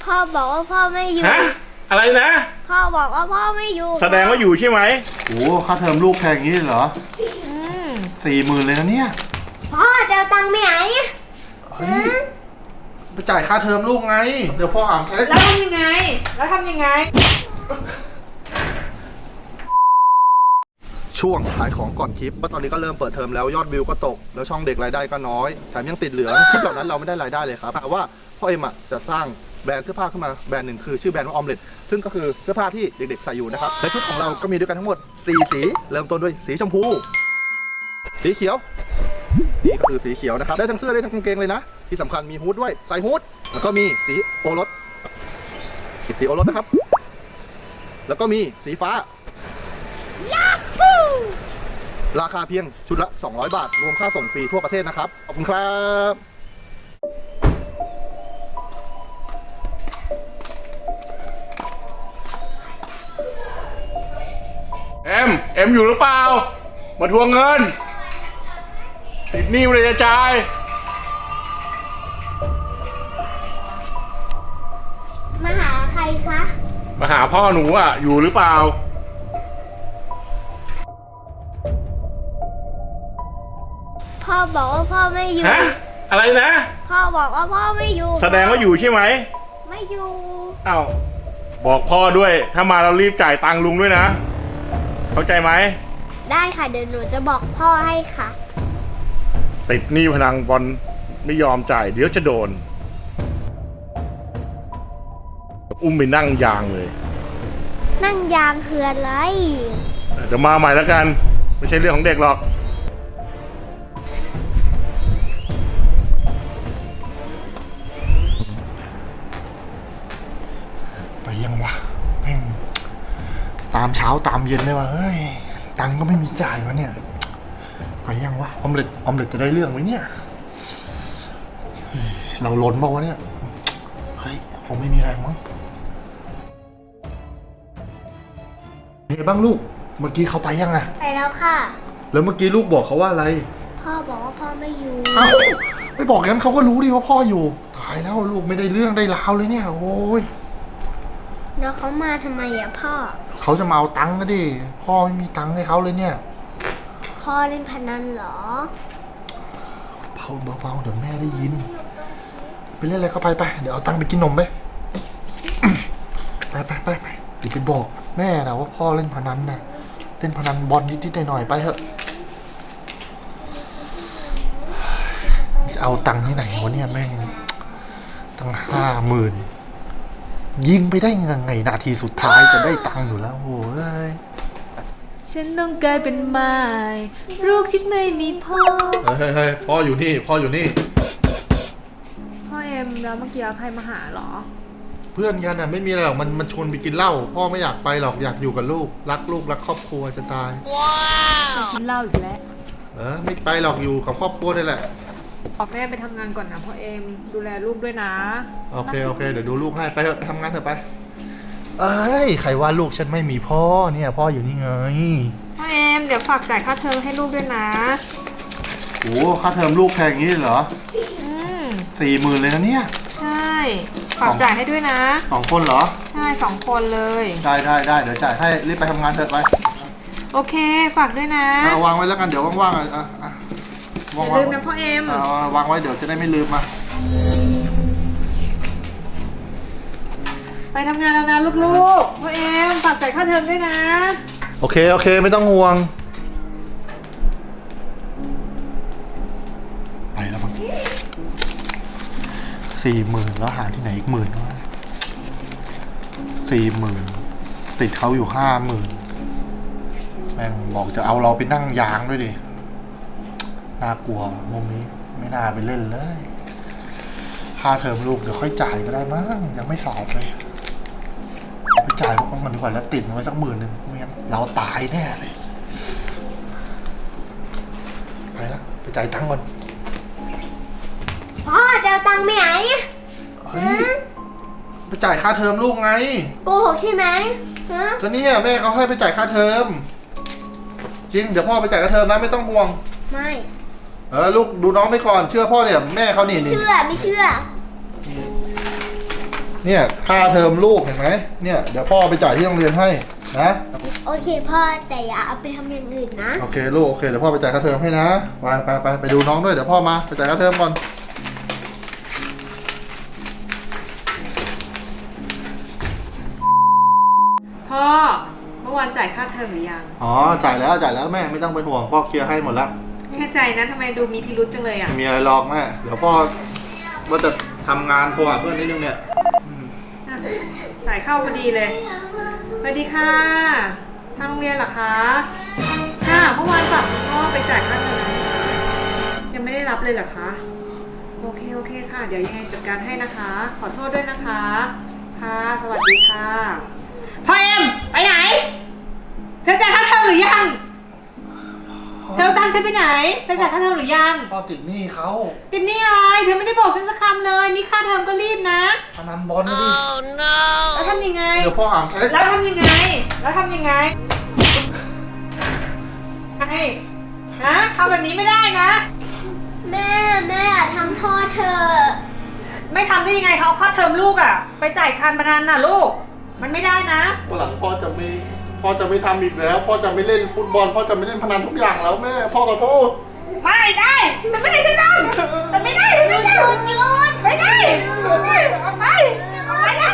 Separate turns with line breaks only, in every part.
พ่อบอกว่าพ่อไม่อยู่
ฮะอะไรนะ
พ่อบอกว่าพ่อไม่อยู่
แสดงว่าอยู่ใช่ไหม
โอ้ค่าเทอมลูกแพงอย่างนี้เหรอ40,000เลยนะเนี่ย
พ่อจะเอาตังค์ไปไหน
เฮ้ยไปจ่ายค่าเทอมลูกไงเดี๋ยวพ่ออ่านใช้
แล้วทำยังไง
ช่วงขายของก่อนคลิปเพราะตอนนี้ก็เริ่มเปิดเทอมแล้วยอดวิวก็ตกแล้วช่องเด็กรายได้ก็น้อยแถมยังติดเหลืองคลิปเหล่านั้นเราไม่ได้รายได้เลยครับแต่ว่าพ่อเอ็มจะสร้างแบรนด์เสื้อผ้าขึ้นมาแบรนด์หนึ่งคือชื่อแบรนด์ว่าออมเล็ตซึ่งก็คือเสื้อผ้าที่เด็กๆใส่อยู่นะครับและชุดของเราก็มีด้วยกันทั้งหมด4สีเริ่มต้นด้วยสีชมพูสีเขียวนี่ก็คือสีเขียวนะครับได้ทั้งเสื้อได้ทั้งกางเกงเลยนะที่สำคัญมีฮู้ดด้วยใส่ฮู้ดแล้วก็มีสีโอรสนะครับแล้วก็มีสีฟ้าราคาเพียงชุดละ200 บาทรวมค่าส่งฟรีทั่วประเทศนะครับขอบคุณครับ
เอ็มอยู่หรือเปล่ามาทวงเงินติดหนี้ไม่ได้จะจ่าย
มาหาใครคะ
มาหาพ่อหนูอ่ะอยู่หรือเปล่า
พ่อบอกว่าพ่อไม่อยู่
ฮะอะไรนะ
พ่อบอกว่าพ่อไม่อยู่
แสดงว่าอยู่ใช่ไหม
ไม่อยู่
อ้าวบอกพ่อด้วยถ้ามาเรารีบจ่ายตังค์ลุงด้วยนะเข้าใจไหม
ได้ค่ะเดี๋ยวหนูจะบอกพ่อให้ค่ะ
ติดหนี้พนันบอลไม่ยอมจ่ายเดี๋ยวจะโดนอุ้มไปนั่งยางเลย
นั่งยางคืออะไร
เดี๋ยวมาใหม่แล้วกันไม่ใช่เรื่องของเด็กหรอก
ไปยังวะแม่งตามเช้าตามเย็นเลยวะเฮ้ยตังค์ก็ไม่มีจ่ายวะเนี่ยไปยังวะออมเล็ตจะได้เรื่องไหมเนี่ยเราล้นบอกว่าวะเนี่ยเฮ้ยคงไม่มีแรงมั้งเป็นไงบ้างลูกเมื่อกี้เขาไปยังอะ
ไปแล้วค่ะ
แล้วเมื่อกี้ลูกบอกเขาว่าอะไร
พ่อบอกว่าพ่อไม่อยู่
เอ้าไม่บอกงั้นเขาก็รู้ดิว่าพ่ออยู่ตายแล้วลูกไม่ได้เรื่องได้ราวเลยเนี่ยโอ้ย
แล้วเขามาทำไมอะพ่อ
เขาจะมาเอาตังค์ก็ดิพ่อไม่มีตังค์ให้เขาเลยเนี่ย
พ่อเล่นพนันเหรอ
เบาเดี๋ยวแม่ได้ยินไปเล่นอะไรก็ไปเดี๋ยวเอาตังค์ไปกินนมไปไปอย่าไปบอกแม่นะว่าพ่อเล่นพนันนะเล่นพนันบอลนิดๆหน่อยๆไปเถอะจะเอาตังค์ที่ไหนวะเนี่ยแม่งตั้ง50,000ยิงไปได้ยังไงนาทีสุดท้ายจะได้ตังค์อยู่แล้วโอ้ย
ฉันต้องกลายเป็นไม้ลูกที่ไม่มีพ่อ
เฮ้ยพ่ออยู่นี่พ่อ
เอ็มแล้วเมื่อกี้ใครมาหาหรอ
เพื่อนกันน่ะไม่มีอะไรหรอกมันชวนไปกินเหล้าพ่อไม่อยากไปหรอกอยากอยู่กับลูกรักครอบครัวจะตาย
ว้าวกินเหล้าอีกแล้ว
ไม่ไปหรอกอยู่กับครอบครัวนี่แหละ
ออกแม่ไปทำงานก่อนนะพ่อเอ็มดูแลลูกด้วยนะ
โอเคเดี๋ยวดูลูกให้ไปเถอะไปทำงานเถอะไปใครว่าลูกฉันไม่มีพ่อเนี่ยพ่ออยู่นี่ไง
พ่อเอ็มเดี๋ยวฝากจ่ายค่าเทอมให้ลูกด้วยนะ
โอ้ค่าเทอมลูกแพงอย่างนี้เหรอ40,000เลยนะเนี่ย
ใช่ฝากจ่ายให้ด้วยนะ
2 คนเหรอ
ใช่2 คนเลย
ได้เดี๋ยวจ่ายให้รีบไปทำงานเถอะไป
โอเคฝากด้วยนะ
วางไว้แล้วกันเดี๋ยวว่างๆ
อย่าลืมนะพ่อเอ็ม
วางไว้เดี๋ยวจะได้ไม่ลืมมา
ไปทำงานแล้วนะลูกๆพ่อเอ็มฝากจ่ายค่าเทอมด้วยนะ
โอเคไม่ต้องห่วงไปแล้วมั้ง40,000แล้วหาที่ไหนอีก10,000วะ40,000ติดเขาอยู่50,000แม่งบอกจะเอาเราไปนั่งยางด้วยดิน่ากลัวมุมนี้ไม่น่าไปเล่นเลยค่าเทอมลูกเดี๋ยวค่อยจ่ายก็ได้มั้งยังไม่สอบเลยไปจ่ายพวกมันดีกว่าแล้วติดมันไว้สัก10,000ไม่งั้นเราตายแน่เลยไปแล้วไปจ่ายตังค์ก่อน
พ่อจะเอาตังค์ไปไหน
ไปจ่ายค่าเทอมลูกไง
โกหกใช่ไหม
ก็เนี่ยแม่เขาให้ไปจ่ายค่าเทอมจริงเดี๋ยวพ่อไปจ่ายค่าเทอมนะไม่ต้องห่วง
ไม่
ลูกดูน้องไปก่อนเชื่อพ่อเนี่ยแม่เขานี่
ไม่เชื่อ
เนี่ยค่าเทอมลูกเห็นไหมเนี่ยเดี๋ยวพ่อไปจ่ายที่โรงเรียนให้นะ
โอเคพ่อแต่อย่าเอาไปทำอย่างอื่นนะ
โอเคลูกโอเคเดี๋ยวพ่อไปจ่ายค่าเทอมให้นะไปดูน้องด้วยเดี๋ยวพ่อมาไปจ่ายค่าเทอมก่อน
พ่อเมื่อวานจ่ายค่าเทอมหรือยัง
อ๋อจ่ายแล้วแม่ไม่ต้องเป็นห่วงพ่อเคลียร์ให้หมดแล้ว
แน่ใจนะทำไมดูมีพิรุษจังเลยอ่ะ
ไม่มีอะไรหรอกแม่เดี๋ยวพ่อว่าจะทำงานโทรหาเพื่อนนิดนึงเนี่ย
อ่ะสายเข้าพอดีเลยสวัสดีค่ะทางโรงเรียนเหรอคะค่ะเมื่อวานฝากคุณพ่อไปจ่ายค่าเทอมยังไม่ได้รับเลยเหรอคะโอเคค่ะ เดี๋ยวยังไงจัดการให้นะคะ ขอโทษด้วยนะคะค่ะสวัสดีค่ะพ่อเอ็มไปไหนเธอจ่ายค่าเทอมหรือยังเธอตั้งฉันไปไหนเธอจ่ายค่าเทอมหรือยัง
พ่อติดหนี้เขา
ติดหนี้อะไรเธอไม่ได้บอกฉันสักคำเลยนี่ค่าเทอมก็รีบนะ
พนันบอลนะดิ
แล้วทำยังไง
เดี๋ยวพ่อหามใช้
แล้วทำยังไงไอ้ฮะทำแบบนี้ไม่ได้นะ
แม่อย่าทำพ่อเธอ
ไม่ทำได้ยังไงเขาเอาค่าเทอมลูกอะไปจ่ายการพนันน่ะลูก มันไม่ได้นะ
วันหลังพ่อจะไม่ทำอีกแล้วพ่อจะไม่เล่นฟุตบอลพ่อจะไม่เล่นพนันทุกอย่างแล้วแม่พ่อขอโทษ
ไม่ได้ฉันไม่ได้ฉันทำฉันไม่ได้ฉันไม่ได้
หยุด
ไม่ได้เอาไปเลย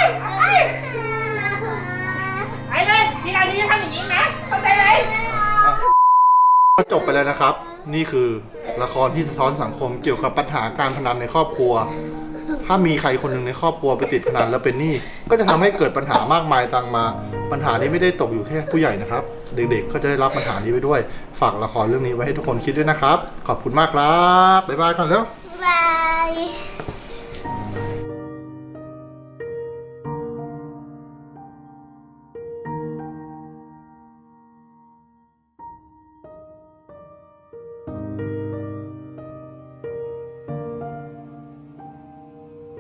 ไปเลยทีหลังนี้จะทำอย่างนี้นะเข้าใจไหม
ก็จบไปแล้วนะครับ นี่คือละครที่สะท้อนสังคมเกี่ยวกับปัญหาการพนันในครอบครัว ถ้ามีใครคนหนึ่งในครอบครัวไปติดพนันแล้วเป็นหนี้ก็จะทำให้เกิดปัญหามากมายตามมา ปัญหานี้ไม่ได้ตกอยู่แค่ผู้ใหญ่นะครับ เด็กๆก็จะได้รับปัญหานี้ไปด้วย ฝากละครเรื่องนี้ไว้ให้ทุกคนคิดด้วยนะครับ ขอบคุณมากครับบ๊ายบายก่อนแล้ว
บาย